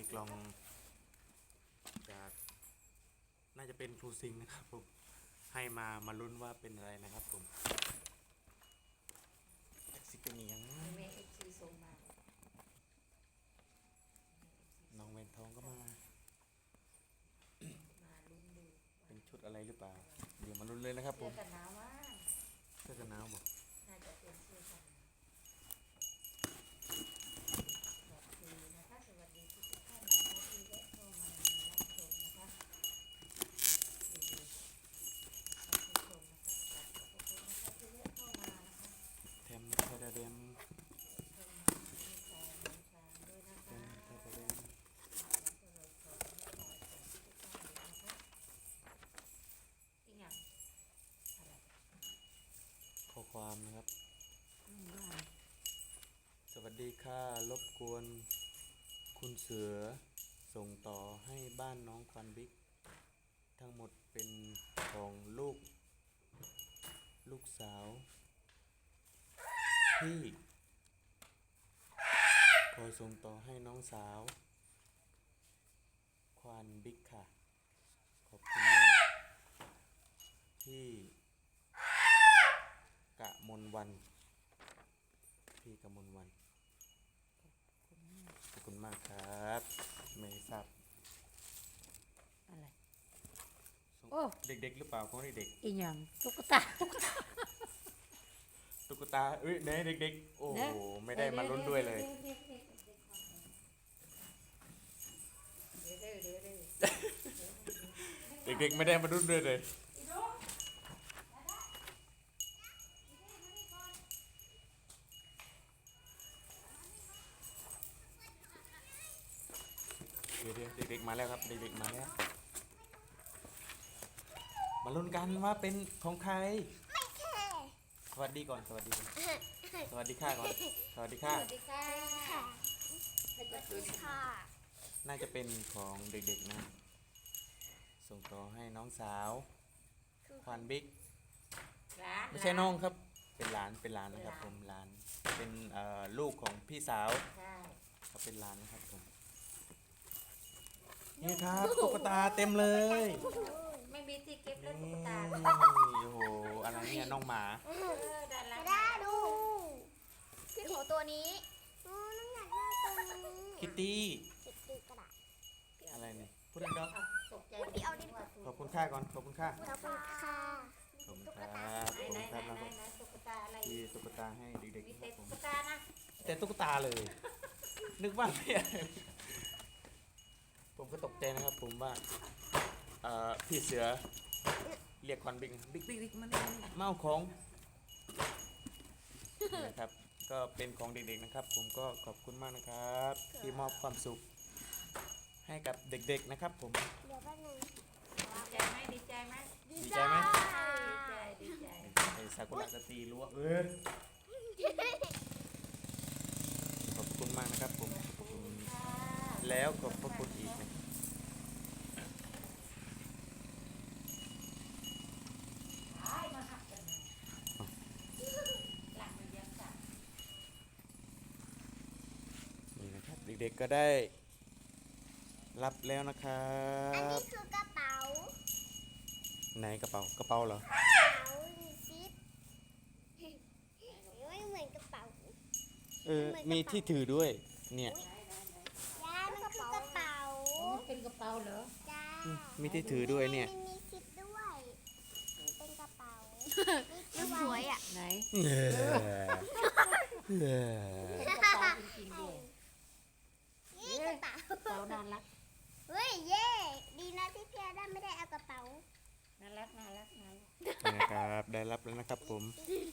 กล่องจากน่าจะเป็นครูซิงนะครับผมให้มาลุ้นว่าเป็นอะไรนะครับผมแท็กซี่เป็นยังแม่เอฟซีส่งมาน้องเวนทองก็มามาลุ้นดูเป็นชุดอะไรหรือเปล่าเดี๋ยวมาลุ้นเลยนะครับผเสื้อมกันหนาวว่าเสื้อกันหนาวบอกน่าจะเป็นเสื้อกันหนาวสวัสดีนะคะสวัสดีทุกท่านนะคะที่แวะเข้ามารับชมนะคะดูรับชมนะคะขอบคุณนะคะที่แวะเข้ามานะคะเทมเทเดเดมเข้ามามีชาน้ำชาด้วยนะเทคะมเทเดเดมแล้วก็เราขอให้ขอทุกท่านเลยนะคะอีกอย่างอะไรข้อความนะครับว่าสวัสดีค่ะรบกวนคุณเสือส่งต่อให้บ้านน้องควันบิ๊กทั้งหมดเป็นของลูกสาวที่ขอส่งต่อให้น้องสาวควันบิ๊กค่ะขอบคุณมากที่กะมนวันพี่กะมนวันขอบคุณมากครับไม่ทราบอะไรส่งโอ้เด็กๆหรือเปล่าของเด็กอีหยังตุ๊กตาตุ๊กตาเอ้ยไหนเด็กๆโอ้โหไม่ได้มาลุ้นด้วยเลย เด็กๆไม่ได้มาลุ้นด้วยเลยเดี๋ยวเด็กๆมาแล้วครับเด็กๆมาแล้วมาลุ้นกันว่าเป็นของใครสวัสดีก่อนสวัสดีก่อนสวัสดีค่ะก่อนสวัสดีค่ะสวัสดีค่ะสวัสดีค่ะน่าจะเป็นของเด็กๆนะส่งต่อให้น้องสาวควันบิ๊กร้านไม่ใช่น้องครับเป็นหลานนะครับผมหลานเป็นลูกของพี่สาวใช่เขาเป็นหลานนะครับผมนี่ครับตุ๊กตาเต็มเลยไม่มีที่เก็บแล้วตุ๊นี่กตาโอ้โหอะไรเนี่ยน้องหมาด้านหลังได้ดูพี่ขอตัวนี้น้องอยากได้ตัวนี้คิตตี้ติดตีกระดาษอะไรเนี่ยพูดดังตกใจพี่เอาดิๆขอบคุณค่าก่อนขอบคุณค่าขอบคุณค่ะขอบคุณครับขอบไหนคุณไหนครับไหนนะครับไหนตุ๊กตาอะไรที่ตุ๊กตาให้เด็กมีๆนะคแต่รับผมตุ๊กตานะแต่ตุ๊กตาเลย นึกว่าไม่อะไรผมก็ตกใจนะครับผมว่าพี่เสือเรียกควันบิ๊กบิ๊กมันเมาของนี่นะครับ ก็เป็นของเด็กๆนะครับ ผมก็ขอบคุณมากนะครับ ที่มอบความสุขให้กับเด็กๆนะครับ ผมเดี๋ยวแป๊บนึงดีใจไหมดีใจไหมดีใจไหมดีใจดีใจไอ้ซากุระจะตีรั้วขอบคุณมากนะครับผมขอบคุณแล้วขอบพระคุณอีกนะมาหักกันเลยหลังมันยังสั่นนี่นะครับเด็กๆก็ได้รับแล้วนะครัอันบนี้คือกระเป๋าไหนกระเป๋าเหรอกระเป๋ามีซิปไม่เหมือนกระเป๋ามีที่ถือด้วยเนี่ยยายมันคือกระเป๋ามันเป็นกระเป๋าเหรอจ้ามีที่ถือด้วยเนี่ยมันมีซิปด้วยมันเป็นกระเป๋ามันสวยอ่ะไหนเออเป็นกระเป๋าจริงๆด้วยนี่กระเป๋ากระเป๋าน่ารักเฮ้ยเย่ดีนะที่พี่อาด้าไม่ได้เอากระเป๋าน่ารักน่ารักน่ารักนี่นะครับได้รับแล้วนะครับผม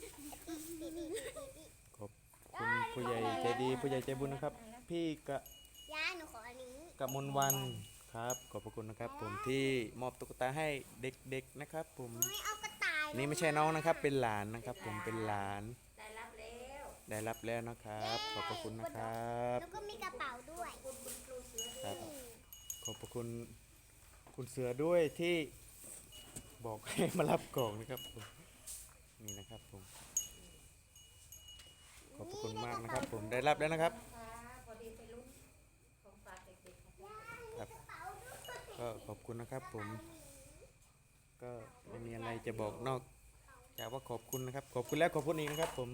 ขอบคุณผู้ใหญ่ใจดีผู้ใหญ่ใจบุญนะครับ พี่ยายหนูขออันนี้กมลวันครับขอบพระคุณนะครับ ผมที่มอบตุ๊กตาให้เด็กๆนะครับ ผมไม่เอากระต่ายนี่ไม่ใช่น้องนะครับ เป็นหลานนะครับ ผมเป็นหลานได้รับแล้วได้รับแล้วนะครับ ขอบพระคุณนะครับแล้วก็มีกระเป๋าด้วยคุณครูเสือครับขอบพระคุณคุณเสือด้วยที่บอกให้มารับกล่องนะครับผมนี่นะครับผมขอบพระคุณมากนะครับ ผมได้รับแล้วนะครับนะคะพอดีไปลุ้นของฝากเด็กๆนะคะยาก็ขอบคุณนะครับผม ก็ไม่มีอะไรจะบอกนอกจากว่าขอบคุณนะครับ ขอบคุณแล้วขอบคุณอีกนะครับผม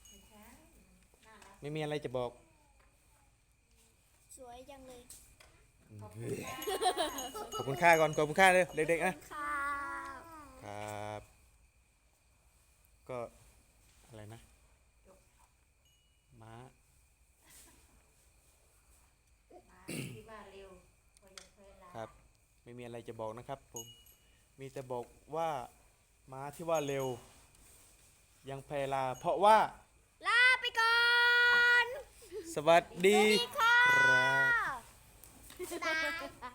ไม่มีอะไรจะบอกสวยจังเลยขอบคุณค่าก่อนขอบคุณค่าเลยเด็กๆนะค่ะครับ ก็อะไรนะม้ามาที่ว่าเร็วพอจะเคยลาครับ ไม่มีอะไรจะบอกนะครับผม มีแต่บอกว่าม้าที่ว่าเร็ว ยังแพลา เพราะว่าลาไปก่อนสวัสดีสวัสดีค่ะครับบ๊ายบาย